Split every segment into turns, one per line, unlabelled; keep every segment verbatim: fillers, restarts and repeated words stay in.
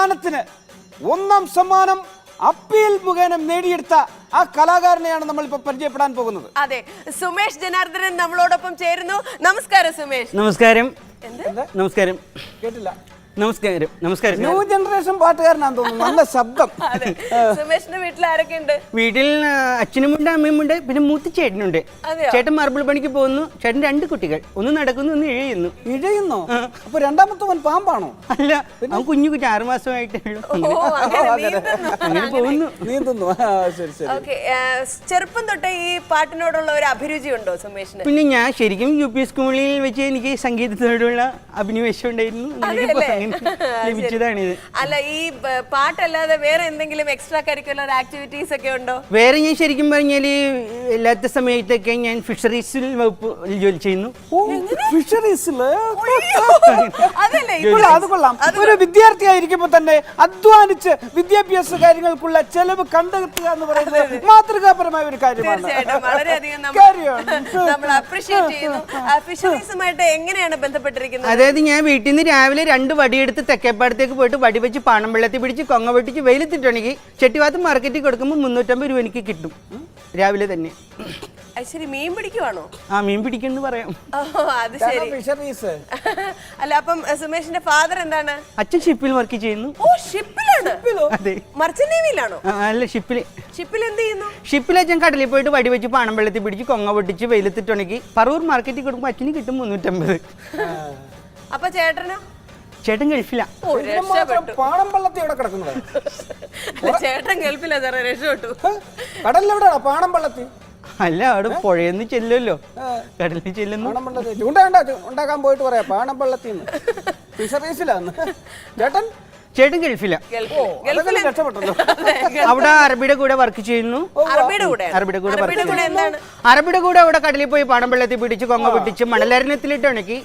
ഗാനത്തിന് ഒന്നാം സമ്മാനം അപ്പീൽ മുഖേന നേടിയെടുത്ത ആ കലാകാരനെയാണ് നമ്മൾ ഇപ്പൊ പരിചയപ്പെടാൻ പോകുന്നത്.
അതെ, സുമേഷ് ജനാർദ്ദനൻ നമ്മളോടൊപ്പം ചേരുന്നു. നമസ്കാരം സുമേഷ്.
നമസ്കാരം. നമസ്കാരം.
കേട്ടില്ല.
നമസ്കാരം. നമസ്കാരം.
ന്യൂ ജനറേഷൻ പാട്ടുകാരനാന്ന് തോന്നുന്നു. നല്ല ശബ്ദം.
സുമേഷിന്റെ വീട്ടിൽ ആരൊക്കെ ഉണ്ട്?
വീട്ടിൽ അച്ഛനുമുണ്ട്, അമ്മയുമുണ്ട്, പിന്നെ മൂത്ത ചേട്ടനുണ്ട്. ചേട്ടൻ മാർബിൾ പണിക്ക് പോകുന്നു. ചേട്ടൻ രണ്ട് കുട്ടികൾ, ഒന്ന് നടക്കുന്നു, ഒന്ന് ഇഴയുന്നു.
ഇഴയുന്നോ? അപ്പൊ രണ്ടാമത്തവൻ പാമ്പാണോ?
അല്ല, അവൻ കുഞ്ഞു കുഞ്ഞു ആറു മാസമായിട്ടേ ഉള്ളൂ. അങ്ങനെ പോകുന്നു,
നീന്തുന്നു. ശരി ശരി.
ചെറുപ്പം തൊട്ടേ ഈ പാട്ടിനോടുള്ള ഒരു അഭിരുചി ഉണ്ടോ സുമേഷിന്?
പിന്നെ ഞാൻ ശരിക്കും യു പി സ്കൂളിൽ വെച്ച് എനിക്ക് സംഗീതത്തോടുള്ള അഭിനിവേശം ഉണ്ടായിരുന്നു. ലഭിച്ചതാണിത്.
അല്ല, ഈ പാട്ടല്ലാതെ വേറെ എന്തെങ്കിലും എക്സ്ട്രാ കരിക്കുലർ ആക്ടിവിറ്റീസ് ഒക്കെ ഉണ്ടോ?
വേറെ ഞാൻ ശരിക്കും പറഞ്ഞാല് എല്ലാത്ത സമയത്തൊക്കെ ഞാൻ ഫിഷറീസിൽ വകുപ്പ് ജോലി ചെയ്യുന്നു.
ഫിഷറീസില്?
അതല്ലേ,
അത് കൊള്ളാം. ഒരു വിദ്യാർത്ഥിയായിരിക്കുമ്പോ തന്നെ അധ്വാനിച്ച് വിദ്യാഭ്യാസ കാര്യങ്ങൾക്കുള്ള ചെലവ് കണ്ടെത്തുക എന്ന് പറയുന്നത് മാതൃകാപരമായ ഒരു കാര്യമാണ്.
തീർച്ചയായിട്ടും വളരെയധികം നമ്മൾ അപ്രീഷിയേറ്റ് ചെയ്യുന്നു. ഫിഷറീസുമായിട്ട് എങ്ങനെയാണ് ബന്ധപ്പെട്ടിരിക്കുന്നത്?
അതായത് ഞാൻ വീട്ടിൽ നിന്ന് രാവിലെ രണ്ട് വടിയെടുത്ത് തെക്കേപ്പാടത്തേക്ക് പോയിട്ട് വടി വെച്ച് പാണം വെള്ളത്തിൽ പിടിച്ച് കൊങ്ങ വെട്ടിച്ച് വെയിലത്തിട്ടുണ്ടെങ്കിൽ ചെട്ടിവാത്ത് മാർക്കറ്റിൽ കൊടുക്കുമ്പോൾ മുന്നൂറ്റമ്പത് രൂപ എനിക്ക് കിട്ടും രാവിലെ തന്നെ.
ശരി, മീൻ പിടിക്കുവാണോ?
ആ, മീൻ പിടിക്കുന്നു പറയാം.
അത് ശരി. അല്ല, അപ്പം സുമേഷിന്റെ ഫാദർ എന്താണ്?
അച്ഛൻ ഷിപ്പിൽ വർക്ക് ചെയ്യുന്നു.
ഓ, ഷിപ്പിലാണ്?
അതെ.
മർച്ചന്റ് നേവിയിലാണോ?
അല്ല, ഷിപ്പിൽ.
ഷിപ്പിൽ എന്ത് ചെയ്യുന്നു?
ഷിപ്പിൽ അച്ഛൻ കടലിൽ പോയിട്ട് വടി വെച്ച് പാണം വെള്ളത്തിൽ പിടിച്ച് കൊങ്ങ പൊട്ടിച്ച് വെയിലത്തിട്ടുണ്ടെങ്കിൽ പറവൂർ മാർക്കറ്റിൽ കൊടുക്കുമ്പോൾ അച്ഛന് കിട്ടും മുന്നൂറ്റമ്പത്.
അപ്പൊ ചേട്ടനോ?
ചേട്ടൻ ഗൾഫില.
പാണം വെള്ളത്തിൽ എവിടെ കിടക്കുന്നത്?
ചേട്ടൻ ഗൾഫില, രക്ഷപ്പെട്ടു.
കടലിലെവിടെയാണോ പാണം വെള്ളത്തിൽ?
അല്ല, അവിടെ പുഴയെന്ന് ചെല്ലുമല്ലോ, കടലിൽ ചെല്ലുന്നു.
ഉണ്ടാക്കാൻ പോയിട്ട് പറയാ പാണം വെള്ളത്തിൽ ഫിഷറീസിലാന്ന്. ചേട്ടൻ
ചേട്ടൻ ഗൾഫില. അവിടെ അറബിയുടെ കൂടെ വർക്ക് ചെയ്യുന്നു. അറബിയുടെ കൂടെ അറബിയുടെ കൂടെ അവിടെ കടലിൽ പോയി പാണം വെള്ളത്തിൽ പിടിച്ച് കൊങ്ങ പിടിച്ച് മണലരണ്യത്തിലിട്ട് ഉണക്കി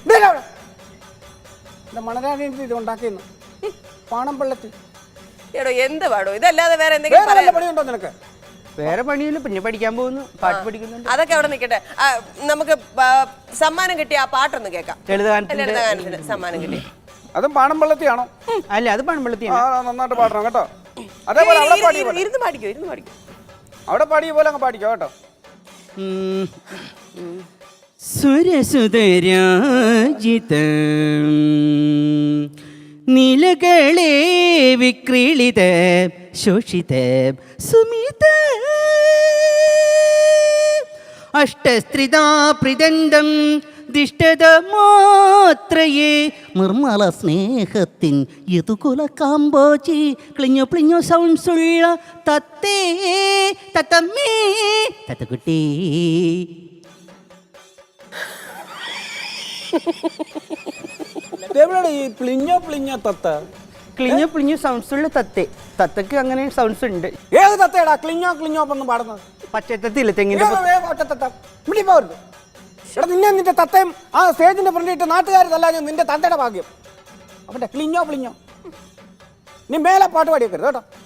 മണലാരി ഉണ്ടാക്കിയെന്ന് പാണം വെള്ളത്തിൽ.
എന്ത് പാടോ ഇതല്ലാതെ വേറെ എന്തെങ്കിലും
പണിയുണ്ടോ നിനക്ക്?
വേറെ പണിയില്ല, പിന്നെ പഠിക്കാൻ പോകുന്നു, പാട്ട് പഠിക്കുന്നുണ്ട്.
അതൊക്കെ അവിടെ നിൽക്കട്ടെ. നമുക്ക് സമ്മാനം കിട്ടിയ ആ പാട്ടൊന്ന് കേൾക്കാം. ലളിതഗാനത്തിന് സമ്മാനം കിട്ടിയ
അതും പാണം വെള്ളത്തിയാണോ?
അല്ല, അത് പാണം വെള്ളത്തിയാണ്.
നന്നായിട്ട് പാടണം കേട്ടോ. അതേപോലെ
ഇരുന്ന് പാടിക്കോ, ഇരുന്ന് പാടിക്കോ.
അവിടെ പാടിയ പോലെ അങ്ങ് പാടിക്കോ കേട്ടോ.
സുരസുതരാജിതം നീലകളെ വിക്രീളിത ശോഷിത സുമിത അഷ്ടസ്ത്രിതാ പ്രിദണ്ഡം ദിഷ്ടത മാത്രയേ നിർമ്മല സ്നേഹത്തിൻ യതുകുല കാമ്പോചി ക്ലിഞ്ഞോ പ്ലിഞ്ഞോ സൗണ്ട്സുള്ള തത്തേ തത്തമ്മേ തത്തക്കുട്ടി.
ഈ പ്ലിഞ്ഞോ പ്ലിഞ്ഞോ തത്ത?
ക്ലിഞ്ഞോ പ്ലിഞ്ഞോ സൗണ്ട്സ് ഉള്ള തത്തേ. തത്തക്ക് അങ്ങനെ സൗണ്ട്സ് ഉണ്ട്.
ഏത് തത്തയടാ ക്ലിഞ്ഞോ ക്ലിഞ്ഞോ ഒന്നും പാടുന്നത്?
പച്ചത്തത്തില്ല, തെങ്ങിന്റെ
നിന്നെ നിന്റെ തത്തയും ആ സ്റ്റേജിന്റെ ഫ്രണ്ടിട്ട് നാട്ടുകാർ തല്ലാഞ്ഞ നിന്റെ തത്തയുടെ ഭാഗ്യം. അവന്റെ ക്ലിഞ്ഞോ പ്ലിഞ്ഞോ. നീ മേലെ പാട്ട് പാടിയേക്കരുത് കേട്ടോ.